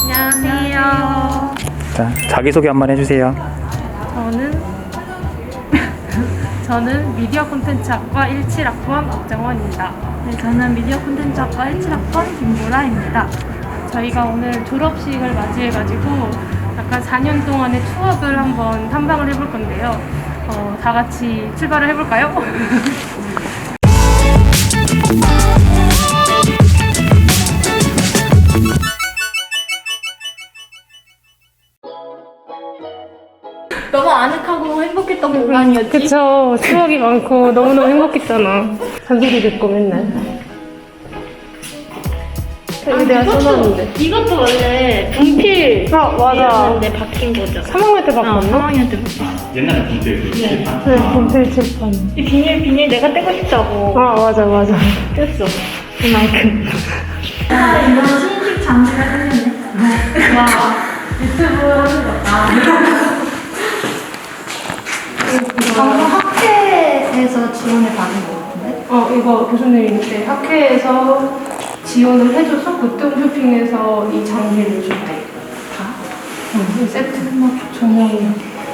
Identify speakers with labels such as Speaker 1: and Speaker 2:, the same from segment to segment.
Speaker 1: 안녕하세요.
Speaker 2: 자, 자기소개 한번 해주세요.
Speaker 1: 저는 미디어 콘텐츠학과 17학번 박정원입니다.
Speaker 3: 네, 저는 미디어 콘텐츠학과 17학번 김보라입니다.
Speaker 1: 저희가 오늘 졸업식을 맞이해가지고 약간 4년 동안의 추억을 한번 탐방을 해볼 건데요. 다 같이 출발을 해볼까요?
Speaker 3: 너무 아늑하고 행복했던 공간이었지?
Speaker 1: 그쵸. 추억이 많고 너무너무 행복했잖아. 잔소리 듣고 맨날. 여기 내가 써놨는데.
Speaker 3: 이것도 원래 분필이었는데 바뀐 거죠.
Speaker 1: 3학년 때 바꿨나?
Speaker 3: 3학년 때 바꿨어.
Speaker 2: 옛날에 분필
Speaker 1: 네, 분필 칠판.
Speaker 3: 이 비닐 내가 떼고 싶다고
Speaker 1: 아, 맞아.
Speaker 3: 뗐어. 이만큼. 이건 신식 장비가 생겼네. 와, 유튜브 하는 거다. 방금 학회에서 지원을 받은 거 같은데?
Speaker 1: 이거 교수님이 그때 학회에서 지원을 해줘서 그때 홈쇼핑에서 이 장비를 준대. 다? 이 세트. 전용이.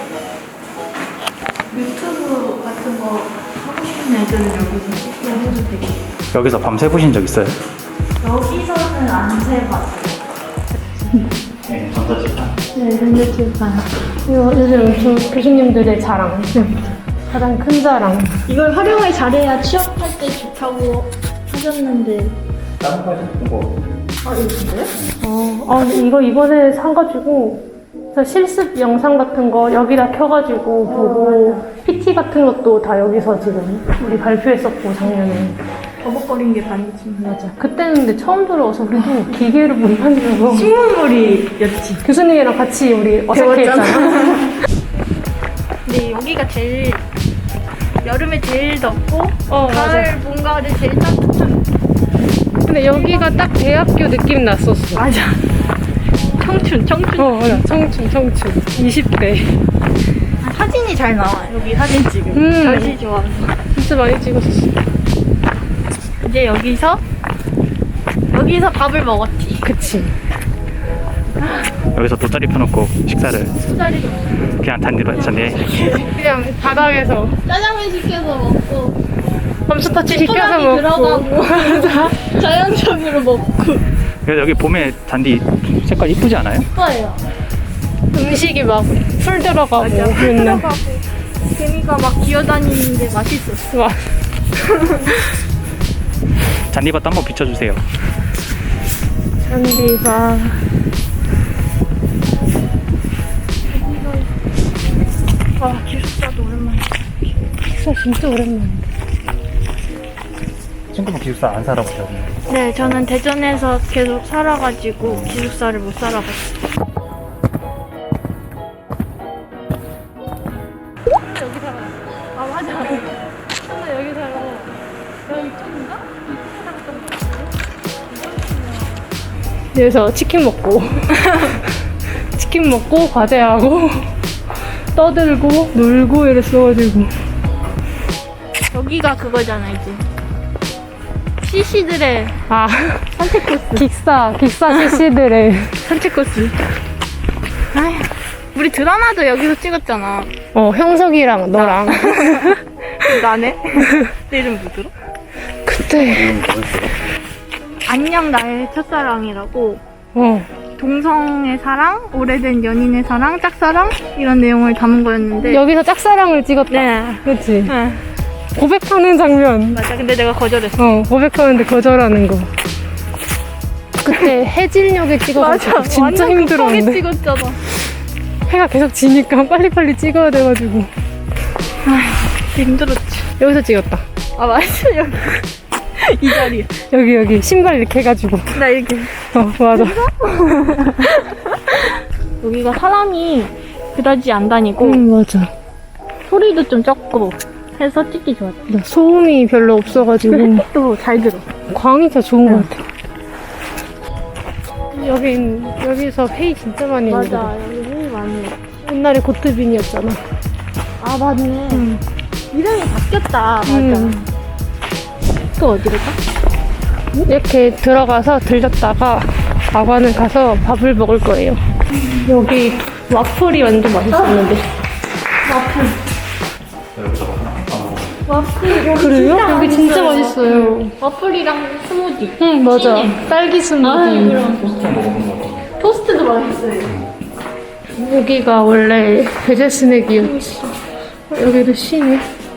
Speaker 3: 유튜브 같은 거 하고 싶은 애들은 여기서 해도 되게.
Speaker 2: 여기서 밤새 보신 적 있어요?
Speaker 3: 여기서는 안 세봤어요.
Speaker 2: 네, 전자칠판.
Speaker 1: 네, 전자칠판. 이거 요즘 교수님들의 자랑. 가장 큰 자랑.
Speaker 3: 이걸 활용을 잘해야 취업할 때 좋다고 하셨는데.
Speaker 2: 다른 거 하셨던 거.
Speaker 3: 아, 이거 진짜요?
Speaker 1: 이거 이번에 사가지고 그래서 실습 영상 같은 거 여기다 켜가지고 보고 PT 같은 것도 다 여기서 지금 우리 발표했었고 작년에.
Speaker 3: 버벅거린 게 반이지.
Speaker 1: 맞아. 그때는 근데 처음 들어와서 우리도 기계를 못 만들어서
Speaker 3: 식물물이였지.
Speaker 1: 교수님이랑 같이 우리 어색해했잖아.
Speaker 3: 근데 여기가 제일 여름에 제일 덥고
Speaker 1: 맞아.
Speaker 3: 가을 뭔가를 제일 따뜻한.
Speaker 1: 근데 여기가 딱 대학교 느낌 났었어.
Speaker 3: 맞아. 청춘.
Speaker 1: 맞아. 청춘. 20대.
Speaker 3: 사진이 잘 나와. 여기 사진 지금. 날씨 좋아서.
Speaker 1: 진짜 많이 찍었었어.
Speaker 3: 이제 여기서 밥을 먹었지.
Speaker 1: 그치.
Speaker 2: 여기서 돗자리 펴놓고 식사를
Speaker 3: 수다리
Speaker 2: 그냥 단디로 했잖아요.
Speaker 1: 그냥 바닥에서
Speaker 3: 짜장면 시켜서 먹고
Speaker 1: 맘스터치 시켜서
Speaker 3: 소라기
Speaker 1: 먹고.
Speaker 3: 들어가고 자연적으로 먹고.
Speaker 2: 그래서 여기 봄에 잔디 색깔 이쁘지 않아요?
Speaker 3: 예뻐요.
Speaker 1: 음식이 막 풀 들어가고 맨날.
Speaker 3: 들어가고 개미가 막 기어다니는데 맛있었어.
Speaker 1: 와.
Speaker 2: 잔디밭도 한번 비춰주세요.
Speaker 1: 잔디가
Speaker 3: 와, 기숙사도 오랜만이야.
Speaker 1: 진짜 오랜만이야.
Speaker 2: 친구분 기숙사 안 살아보죠?
Speaker 3: 네, 저는 대전에서 계속 살아가지고 기숙사를 못 살아봤어요.
Speaker 1: 여기 살아. 아 맞아. 나 여기 살아. 여기 이쪽인가? 이쪽에 살았던 거 같은데? 그래서 치킨 먹고 치킨 먹고 과제하고 떠들고 놀고 이랬어가지고.
Speaker 3: 여기가 그거잖아, 이제. CC들의
Speaker 1: 아
Speaker 3: 선택 코스.
Speaker 1: 기싸 CC들의
Speaker 3: 산책 코스. 아휴, 우리 드라마도 여기서 찍었잖아.
Speaker 1: 형석이랑 너랑
Speaker 3: 나네? 내 이름 뭐더라?
Speaker 1: 그때
Speaker 3: 안녕 나의 첫사랑이라고
Speaker 1: 어
Speaker 3: 동성의 사랑, 오래된 연인의 사랑, 짝사랑 이런 내용을 담은 거였는데
Speaker 1: 여기서 짝사랑을 찍었다.
Speaker 3: 네.
Speaker 1: 그치?
Speaker 3: 네.
Speaker 1: 고백하는 장면.
Speaker 3: 맞아. 근데 내가 거절했어.
Speaker 1: 고백하는데 거절하는 거. 그때 해질녘에 찍어가지고 진짜
Speaker 3: 완전
Speaker 1: 힘들었는데.
Speaker 3: 급하게 찍었잖아.
Speaker 1: 해가 계속 지니까 빨리빨리 찍어야 돼가지고.
Speaker 3: 힘들었지.
Speaker 1: 여기서 찍었다.
Speaker 3: 아, 맞아. 여기. 이 자리.
Speaker 1: 여기 신발 이렇게 해가지고.
Speaker 3: 나 이렇게.
Speaker 1: 맞아.
Speaker 3: 여기가 사람이 그다지 안 다니고
Speaker 1: 맞아.
Speaker 3: 소리도 좀 적고 해서 찍기 좋았지.
Speaker 1: 소음이 별로 없어가지고
Speaker 3: 햇빛도 잘 들어.
Speaker 1: 광이 더 좋은 것 같아. 여기서 회의 진짜 많이 했는데.
Speaker 3: 맞아. 여기 회의 많이 해.
Speaker 1: 옛날에 고트빈이었잖아.
Speaker 3: 아, 맞네. 이름이 바뀌었다. 맞아. 또 어디로 가?
Speaker 1: 이렇게 들어가서 들렸다가 아관을 가서 밥을 먹을 거예요. 여기 와플이 완전 맛있었는데.
Speaker 3: 와플 여기
Speaker 1: 그래요?
Speaker 3: 진짜
Speaker 1: 여기 진짜
Speaker 3: 맛있어요.
Speaker 1: 맛있어요.
Speaker 3: 와플이랑 스무디.
Speaker 1: 응, 맞아. 딸기 스무디.
Speaker 3: 토스트도 맛있어요.
Speaker 1: 여기가 원래 베제 스낵이었지. 여기도 쉬네.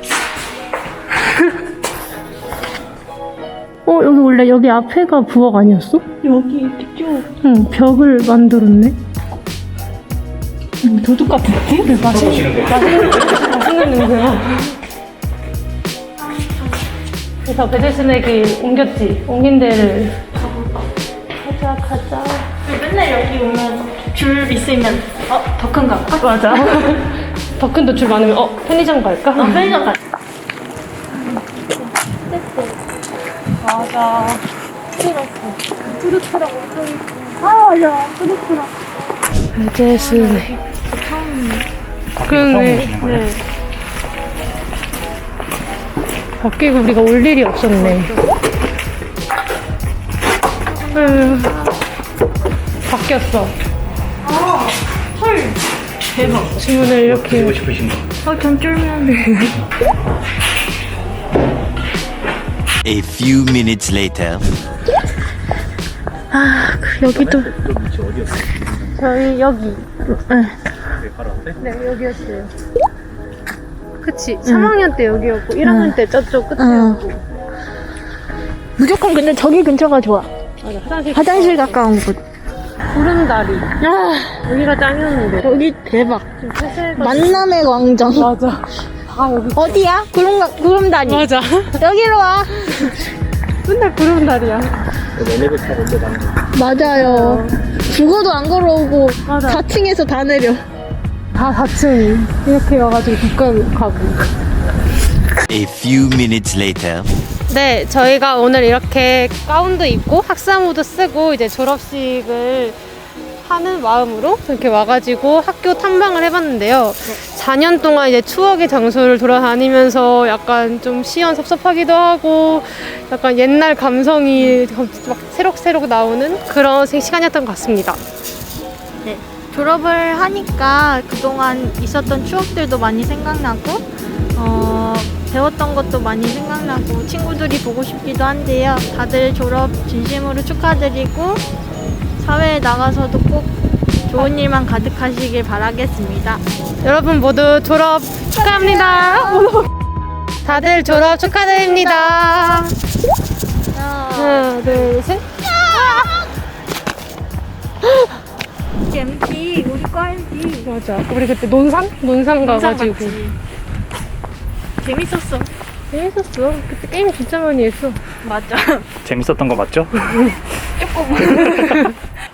Speaker 1: 여기 원래 여기 앞에가 부엌 아니었어?
Speaker 3: 여기 이렇게 쭉
Speaker 1: 응, 벽을 만들었네.
Speaker 3: 도둑 같은데?
Speaker 1: 그래, 맛있는 냄새야. 그래서 베제 스낵이 옮긴 데를. 가자.
Speaker 3: 맨날 여기 오면 줄 있으면 더 큰 거 갈까?
Speaker 1: 맞아. 더 큰 도 줄 많으면 편의점 갈까?
Speaker 3: 편의점 갈까? 맞아. 푸르트라고 맞아. 푸르트라고.
Speaker 1: 베제 스낵. 그러네. 네. 밖에 우리가 올 일이 없었네. 바뀌었어.
Speaker 3: 헐. 대박.
Speaker 1: 주문을 이렇게.
Speaker 2: 드시고 싶으신 거.
Speaker 3: 전 쫄면.
Speaker 4: A few minutes later.
Speaker 1: 여기도.
Speaker 2: 위치 어디였어요?
Speaker 1: 저희 여기.
Speaker 2: 네, 바로 앞에?
Speaker 1: 네, 여기였어요. 그치. 3학년 때 여기였고, 1학년 때 저쪽 끝이었고.
Speaker 3: 무조건 근데 저기 근처가 좋아.
Speaker 1: 맞아,
Speaker 3: 화장실 가까운 곳.
Speaker 1: 구름다리. 여기가 짱이었는데.
Speaker 3: 여기 대박.
Speaker 1: 좀 폐쇄가.
Speaker 3: 만남의 광장.
Speaker 1: 맞아. 다 여기.
Speaker 3: 어디야? 구름다리.
Speaker 1: 맞아.
Speaker 3: 여기로 와.
Speaker 1: 맨날 구름다리야.
Speaker 2: 엘리베이터 타고 올라가는 거.
Speaker 3: 맞아요. 죽어도 안 걸어오고
Speaker 1: 맞아.
Speaker 3: 4층에서 다 내려.
Speaker 1: 다 4층. 이렇게 와가지고 국감 가고.
Speaker 4: A few minutes later.
Speaker 1: 네, 저희가 오늘 이렇게 가운도 입고 학사모도 쓰고 이제 졸업식을 하는 마음으로 이렇게 와가지고 학교 탐방을 해봤는데요. 4년 동안 이제 추억의 장소를 돌아다니면서 약간 좀 시원섭섭하기도 하고 약간 옛날 감성이 막 새록새록 나오는 그런 시간이었던 것 같습니다.
Speaker 3: 네. 졸업을 하니까 그동안 있었던 추억들도 많이 생각나고 배웠던 것도 많이 생각나고 친구들이 보고 싶기도 한데요. 다들 졸업 진심으로 축하드리고 사회에 나가서도 꼭 좋은 일만 가득하시길 바라겠습니다.
Speaker 1: 여러분 모두 졸업 축하합니다. 다들 졸업 축하드립니다. 하나, 둘, 셋.
Speaker 3: MT 우리 거 알지?
Speaker 1: 맞아. 우리 그때 논산 가가지고.
Speaker 3: 재밌었어.
Speaker 1: 재밌었어. 그때 게임 진짜 많이 했어.
Speaker 3: 맞아.
Speaker 2: 재밌었던 거 맞죠?
Speaker 3: 조금.